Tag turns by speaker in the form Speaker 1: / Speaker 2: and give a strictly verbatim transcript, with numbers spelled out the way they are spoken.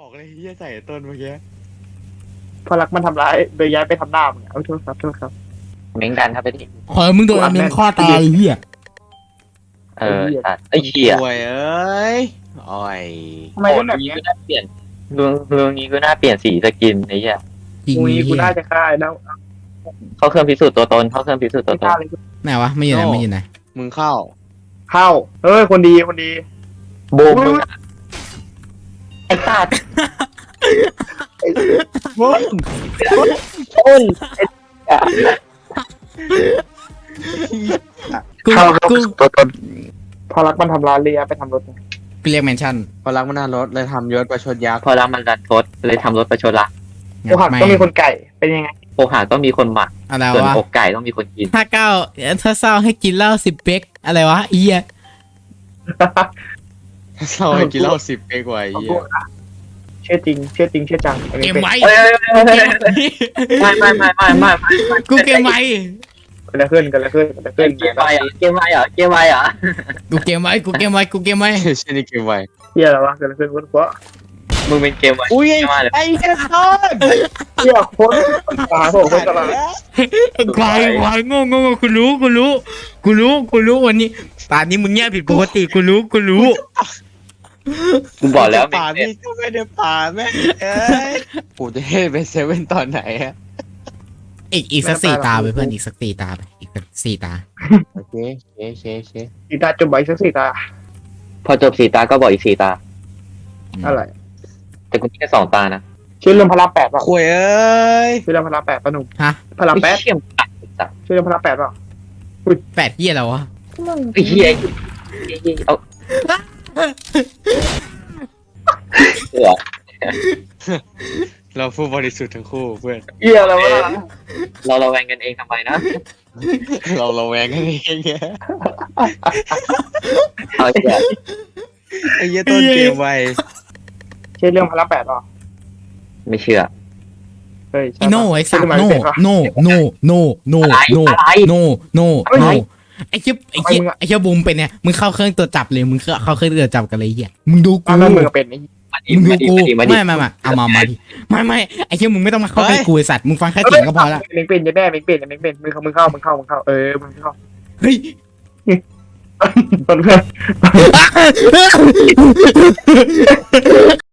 Speaker 1: อกเลยเฮียใส่ต้นเมื่อกี้
Speaker 2: พอรักมันทำร้ายโดยย้ายไปทำหน้ามึงเอาโทษครับโทษครับ
Speaker 3: เม้งดันครับไปดิ
Speaker 4: ขอมึงโดนอันนึงข้อตายไอ้เหี้ย
Speaker 3: เออตัดไอ้เหี้ย
Speaker 1: ป่วยเอ้ยอ่อย
Speaker 2: ทำไม
Speaker 3: โอ้
Speaker 2: เล่นแบบ
Speaker 3: นี้
Speaker 2: เนี้ย
Speaker 3: ก็น่าเปลี่ยนลุงลุงนี้ก็น่าเปลี่ยนสีสกินไอ้เหี้ย
Speaker 4: จริง
Speaker 2: กู
Speaker 4: ไอ้
Speaker 2: กู
Speaker 4: เหี้ย
Speaker 2: น่าจะฆ่าแล้ว
Speaker 3: เข้าเครื่องพิสูจน์ตัวตนเข้าเครื่องพิสูจน์ตัว
Speaker 2: ไม่
Speaker 3: ต
Speaker 2: ฆ่าน เลย
Speaker 4: ไหนวะไม่อยู่ไหนไม่อยู่ไหน
Speaker 1: มึงเข้า
Speaker 2: เข้าเอ้ยคนดีคนดี
Speaker 3: บูมมึงอะไอ้ตัด
Speaker 1: มึง
Speaker 3: ต้น
Speaker 4: กู
Speaker 2: เข้า
Speaker 4: กู
Speaker 2: ตัวตนพอรักมันทำร้ายเลยย้ายไปทำรถ
Speaker 4: กูเรียกแมนชั่น
Speaker 1: พอรักมันน่ารถเลยทำยศประชดยักษ์
Speaker 3: พอรักมันรันทดเลยทำรถประชดละ
Speaker 2: โอหักต้องมีคนไก่เป็นยังไง
Speaker 3: โอหาต้องมีคนหมัก
Speaker 4: อะไร
Speaker 3: ส่วน
Speaker 4: วะ
Speaker 3: อกไก่ต้องมีคนกิน
Speaker 4: ถ้าเก้าถ้าเศร้าให้กินเหล้าสิบเป๊กอะไรวะไอ้เหี้ย
Speaker 1: เราให้กินเหล้าสิบเป๊กกว่าไอ้เฮีย
Speaker 2: เชื่อจริงเชื่อจริงเชื่อจัง
Speaker 4: เกมไว้
Speaker 3: เอ้ยไม่ไม่ไม่ไม่ไม่ไม่
Speaker 4: กูเกมไว้
Speaker 2: กันแล้วขึ้นกันแล้วขึ้นกันแล้วขึ้น
Speaker 3: เกมไวอ่ะเกมไวอ่ะเกมไวอ่ะ
Speaker 4: กูเกมไว้กูเกมไว้กูเกมไว้
Speaker 1: เช่นนี้เกมไว
Speaker 2: เฮียอะไรวะกันแล้วขึ้นวนหัว
Speaker 3: มึงเป็นเกมไว
Speaker 1: อุ้ย
Speaker 3: เกมไวเลย
Speaker 1: ไอ้เหี้ยต้น
Speaker 2: เฮียคนตาผมคนตลาด
Speaker 4: ควายควายโง่โง่โง่กูรู้กูรู้กูรู้กูรู้วันนี้ตอนนี้มึงเงียบผิดปกติกูรู้กูรู้
Speaker 3: กูบอกแล้ว
Speaker 1: ป่านี่ก็ไม่ได้ป่าแม่เอ้ยกูจะให้ไปเซเว่นตอนไหนอะ
Speaker 4: อีกอีกสักสี่ตาไปเพื่อนอีกสักสี่ตาไปอีกสักสี่ตา
Speaker 1: โอเคโอเคโอเคโอเค
Speaker 2: สีตาจุ่มใบสักสีตา
Speaker 3: พอจบสี่ตาก็บอกอีกสี่ตา
Speaker 2: อะไร
Speaker 3: แต่กูมีแค่สองตานะ
Speaker 2: ชื่อเรื่องพระรามแปดป่ะ
Speaker 1: คุยเอ้ย
Speaker 2: ชื่อเรื่องพระรามแปดป่ะหนุ่ม
Speaker 4: ฮะ
Speaker 2: พระรามแปด
Speaker 3: ไอ้เชี่ยมตัดสัตว์
Speaker 2: ชื่อเรื่องพระรามแปดป่ะ
Speaker 4: แปดเหี้ยแล้ววะ
Speaker 3: ไอ้เหี้ยเอาเสือ
Speaker 1: เราผู้บริสุทธิ์ทั้งคู่เพื่อน
Speaker 2: เฮียอะไรวะ
Speaker 3: เราระแวงกันเองทำไมนะ
Speaker 1: เราเราแวงกันเองไง
Speaker 3: เอาเหี้ย
Speaker 1: ไอ้เหี้ยต้นเกมไว
Speaker 2: ชื่อเรื่องพระรามแปดป่ะ
Speaker 3: ไม่เชื่อ
Speaker 2: เฮ้ย
Speaker 4: อีโน่ไอ้สัตว์โน่โน่โน่โน่โน่โน่โน่โน่โน่ไอ้เชี่ยไอ้เชี่ยไอ้เชี่ยบูมเป็นเนี่ยมึงเข้าเครื่องตัวจับเลยมึงเข้าเครื่องตัวจับกันเลยเหี้ยมึงดูกู
Speaker 2: อันนั้นมึงเป็นไอ้
Speaker 3: มาดิ
Speaker 4: มึงดู
Speaker 3: มาดิ
Speaker 4: กู
Speaker 3: มาดิมาดิ
Speaker 4: ไม่ไม่ไม่เอามามาดิไม่ไม่ไอ้เชี่ยมึงไม่ต้องมาเข้าใกล้กูไอ้สัตว์มึงฟังแค่เสียงก็พอละ
Speaker 2: เม้งเป็นยังแม่เม้งเป็นยังเม้งเป็นมึงเข้ามึงเข้ามึงเข้ามึงเข้าเออมึงเข้า
Speaker 4: เฮ้ย
Speaker 2: เพื่อน